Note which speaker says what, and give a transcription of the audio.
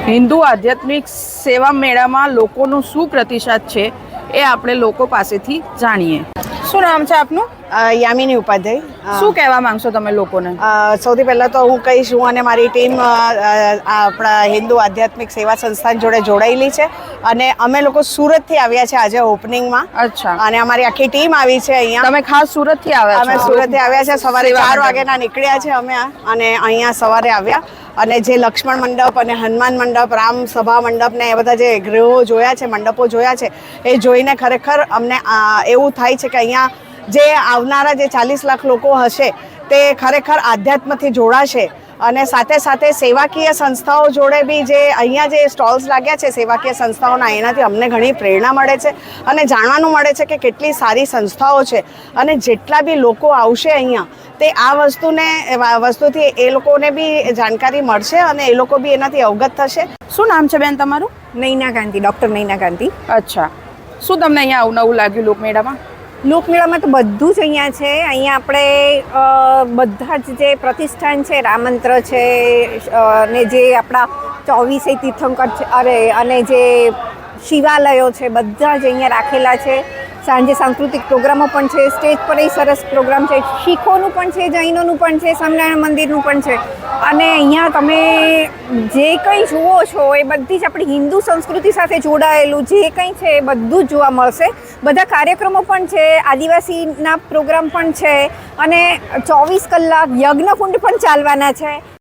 Speaker 1: હિન્દુ આધ્યાત્મિક સેવા મેળામાં લોકોનો શું પ્રતિસાદ છે એ આપણે લોકો પાસેથી જાણીએ. શું નામ છે આપનું?
Speaker 2: યામિની ઉપાધ્યાય.
Speaker 1: શું કહેવા માંગશો તમે લોકોને?
Speaker 2: સૌથી પહેલાં તો હું કહીશ, હું અને મારી ટીમ આપણા હિન્દુ આધ્યાત્મિક સેવા સંસ્થાન જોડે જોડાયેલી છે અને અમે લોકો સુરતથી આવ્યા છે આજે ઓપનિંગમાં.
Speaker 1: અચ્છા.
Speaker 2: અને અમારી આખી ટીમ આવી છે અહીંયા.
Speaker 1: તમે ખાસ સુરતથી આવ્યા છો?
Speaker 2: અમે સુરતથી આવ્યા છે, સવારે 4 વાગ્યાના નીકળ્યા છે અમે અને અહીંયા સવારે આવ્યા. અને જે લક્ષ્મણ મંડપ અને હનુમાન મંડપ, રામ સભા મંડપ ને એ બધા જે ગૃહો જોયા છે, મંડપો જોયા છે, એ જોઈને ખરેખર અમને એવું થાય છે કે અહીંયા જે આવનારા જે 40 લાખ લોકો હશે તે ખરેખર આધ્યાત્મથી જોડાશે. અને સાથે સાથે સેવાકીય સંસ્થાઓ જોડે બી જે અહીંયા જે સ્ટોલ્સ લાગ્યા છે સેવાકીય સંસ્થાઓના, એનાથી અમને ઘણી પ્રેરણા મળે છે અને જાણવાનું મળે છે કે કેટલી સારી સંસ્થાઓ છે. અને જેટલા બી લોકો આવશે અહીંયા તે આ વસ્તુથી એ લોકોને બી જાણકારી મળશે અને એ લોકો બી એનાથી અવગત થશે.
Speaker 1: શું નામ છે બેન તમારું?
Speaker 3: નૈના ગાંધી, ડૉક્ટર નૈના ગાંધી.
Speaker 1: અચ્છા. શું તમને અહીંયા નવું લાગ્યું લોકમેળામાં?
Speaker 3: લોકમેળામાં તો બધું જ અહીંયા છે. અહીંયા આપણે બધા જ જે પ્રતિષ્ઠાન છે, રામમંત્ર છે ને જે આપણા 24 તીર્થંકર છે અને જે શિવાલયો છે બધા જ અહીંયા રાખેલા છે. સાંજે સાંસ્કૃતિક પ્રોગ્રામો પણ છે, સ્ટેજ પર એ સરસ પ્રોગ્રામ છે, શીખોનું પણ છે, જૈનોનું પણ છે, સ્વામિનારાયણ મંદિરનું પણ છે. અને અહીંયા તમે જે કંઈ જુઓ છો એ બધી જ આપણી હિન્દુ સંસ્કૃતિ સાથે જોડાયેલું જે કંઈ છે એ બધું જ જોવા મળશે. બધા કાર્યક્રમો પણ છે, આદિવાસીના પ્રોગ્રામ પણ છે અને 24 કલાક યજ્ઞકુંડ પણ ચાલવાના છે.